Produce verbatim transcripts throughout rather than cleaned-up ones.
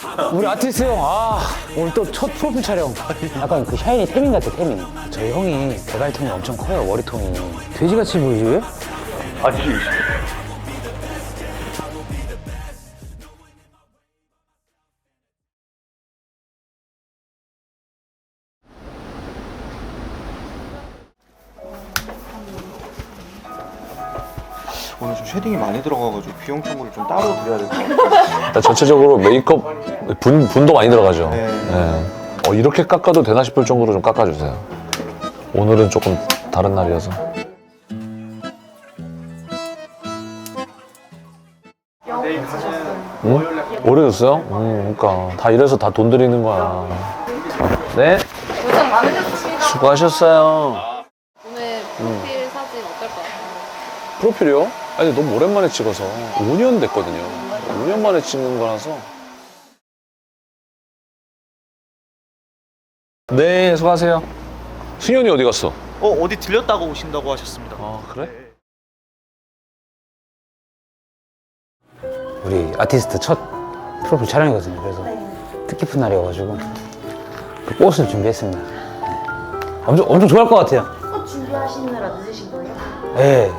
우리 아티스트 형, 아, 오늘 또 첫 프로필 촬영. 약간 그 샤이니 태민 같아, 태민. 저희 형이 대갈통이 엄청 커요, 머리통이. 돼지같이 보이지, 왜? 아니. 오늘 좀 쉐딩이 많이 들어가가지고 비용 처분을 좀 따로 드려야 될 것 같아요. 일단 전체적으로 메이크업 분, 분도 많이 들어가죠. 네. 네. 어, 이렇게 깎아도 되나 싶을 정도로 좀 깎아주세요. 오늘은 조금 다른 날이어서. 응? 오래됐어요? 응, 그러니까 다 이래서 다 돈 들이는 거야. 네? 고생 많으셨습니다. 수고하셨어요. 오늘 프로필 사진 어떨 것 같아요? 프로필이요? 아니 너무 오랜만에 찍어서 오 년 됐거든요. 오 년 만에 찍는 거라서. 네, 수고하세요. 승현이 어디 갔어? 어, 어디 들렸다고 오신다고 하셨습니다. 아, 그래? 우리 아티스트 첫 프로필 촬영이거든요. 그래서 뜻깊은 날이어가지고 그 꽃을 준비했습니다. 네. 엄청, 엄청 좋아할 것 같아요. 꽃 준비하시느라 늦으신 거예요? 예.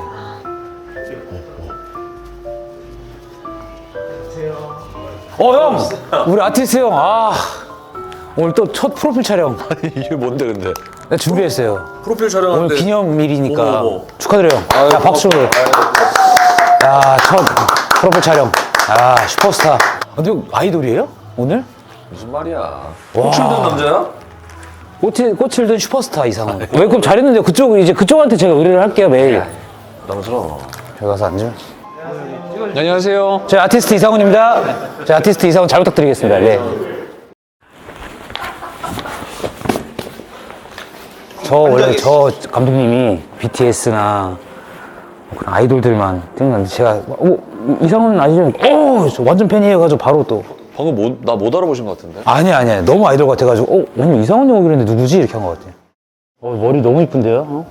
어, 형! 우리 아티스트 형, 아, 오늘 또 첫 프로필 촬영. 이게 뭔데 근데? 네, 준비했어요. 프로필 오늘 촬영하는데 기념일이니까 어머, 어머. 축하드려요. 아유, 야, 박수. 야, 첫 프로필 촬영. 아, 슈퍼스타. 근데 이거 아이돌이에요? 오늘? 무슨 말이야? 꽃을 든 남자야? 꽃을, 꽃을 든 슈퍼스타 이상은. 왜 그럼 잘했는데 그쪽, 이제 그쪽한테 제가 의뢰를 할게요, 매일. 부담스러워. 여기 가서 앉으면. 네, 안녕하세요. 저희 아티스트 이상훈입니다. 저희 아티스트 이상훈 잘 부탁드리겠습니다. 네. 저 원래 저 감독님이 비티에스나 그런 아이돌들만 생각나는데 제가 어, 이상훈 아시죠? 어, 저 완전 팬이어가지고 바로 또 방금 뭐, 나 못 알아보신 것 같은데? 아니 아니 너무 아이돌 같아가지고 어 오늘 이상훈 형 오기로 했는데 누구지 이렇게 한 것 같아요. 어, 머리 너무 이쁜데요? 어?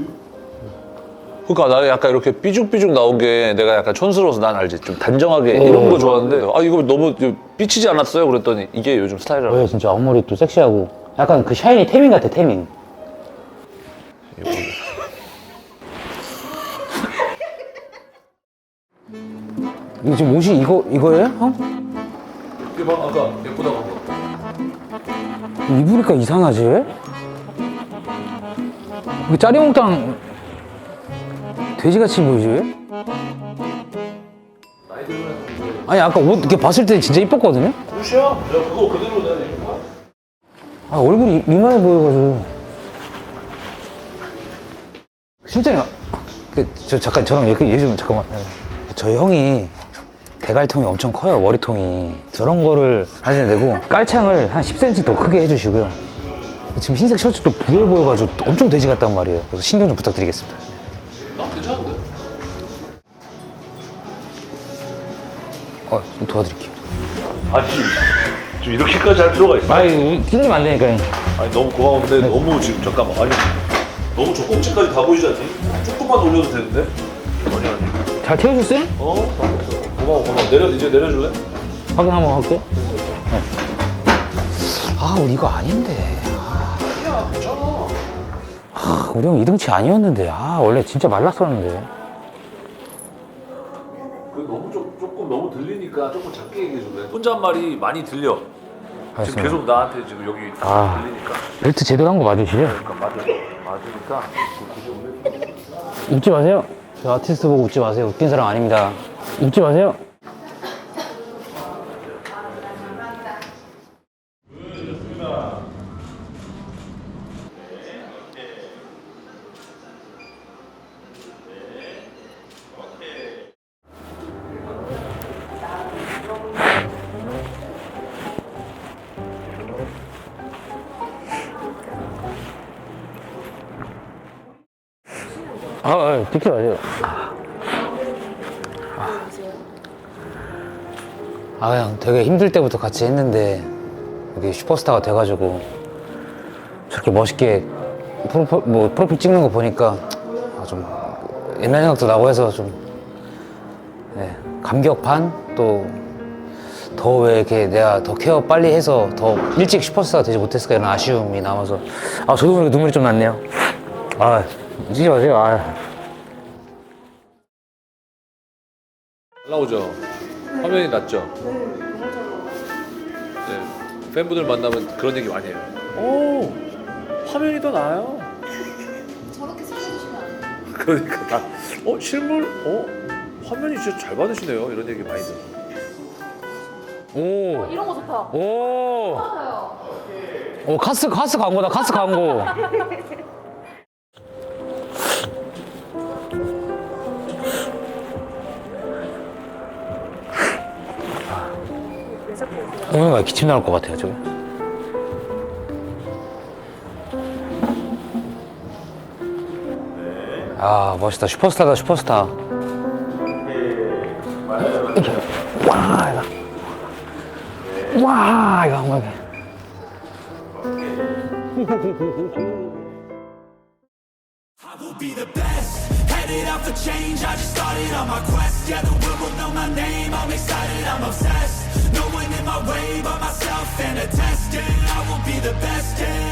그러니까 나 약간 이렇게 삐죽삐죽 나온 게 내가 약간 촌스러워서 난 알지. 좀 단정하게 이런 거 좋아하는데 아 이거 너무 삐치지 않았어요? 그랬더니 이게 요즘 스타일이라고. 왜 진짜 앞머리 또 섹시하고 약간 그 샤이니 태민 같아 태민. 이거 지금 옷이 이거 이거예요? 형? 이게 막 아까 예쁘다고 한 거. 입으니까 이상하지? 왜? 이거 짜리몽땅 돼지같이 보이지? 왜? 아니 아까 옷 이렇게 봤을 때 진짜 이뻤거든요? 굿이야? 내가 그거 그대로 내야 돼. 아 얼굴이 이만해 보여가지고 실제로 그, 저 잠깐 저랑 얘기 얘기 좀 잠깐만. 저희 형이 대갈통이 엄청 커요, 머리통이. 저런 거를 하셔야 되고 깔창을 한 십 센티미터 더 크게 해주시고요. 지금 흰색 셔츠도 부해 보여가지고 엄청 돼지 같단 말이에요. 그래서 신경 좀 부탁드리겠습니다. 나 괜찮은데? 어, 좀 도와드릴게요. 아니 좀 이렇게까지 할 필요가 있어? 아이, 낀좀 안 되니까. 아니 너무 고마운데 너무 지금 잠깐만 아니 너무 저 꼭지까지 다 보이지 않니? 조금만 올려도 되는데? 아니 아니 잘 태워줬어요? 어? 고마워 고마워 내려 이제 내려줄래? 확인 한번 할게요. 네. 아, 우리 이거 아닌데. 아, 우리 형 이등치 아니었는데. 아, 원래 진짜 말랐었는데. 그 너무 좀, 조금 너무 들리니까 조금 작게 얘기해 줄래? 혼잣말이 많이 들려. 지금 알겠습니다. 계속 나한테 지금 여기 아. 들리니까. 벨트 제대로 한 거 맞으시죠? 그러니까 맞아. 맞으니까. 웃지 마세요. 저 아티스트 보고 웃지 마세요. 웃긴 사람 아닙니다. 웃지 마세요. 아, 아 듣지 마세요. 아, 그냥 되게 힘들 때부터 같이 했는데 여기 슈퍼스타가 돼가지고 저렇게 멋있게 프로필, 뭐 프로필 찍는 거 보니까 아, 좀 옛날 생각도 나고 해서 좀 네, 감격 반 또 더 왜 이렇게 내가 더 케어 빨리 해서 더 일찍 슈퍼스타가 되지 못했을까 이런 아쉬움이 남아서 아 저도 모르게 눈물이 좀 났네요. 아 웃기지 마세요. 아. 잘 나오죠? 화면이 낮죠? 네, 너무 잘 나와요. 네, 팬분들 만나면 그런 얘기 많이 해요. 오, 화면이 더 나아요. 저렇게 생겨주시면 안 돼요. 그러니까 다, 어, 실물, 어, 화면이 진짜 잘 받으시네요. 이런 얘기 많이 들어요. 오. 이런 거 좋다. 오. 맞아요. 오 카스 카스 광고다 카스 광고. 오늘 기침 나올 것 같아요 저기. 아 멋있다 슈퍼스타다 슈퍼스타. 와 이거. 와 이거 한번 해. Be the best, headed out for change. I just started on my quest. Yeah, the world will know my name. I'm excited, I'm obsessed. No one in my way but myself and a test. Yeah, I will be the best. Yeah.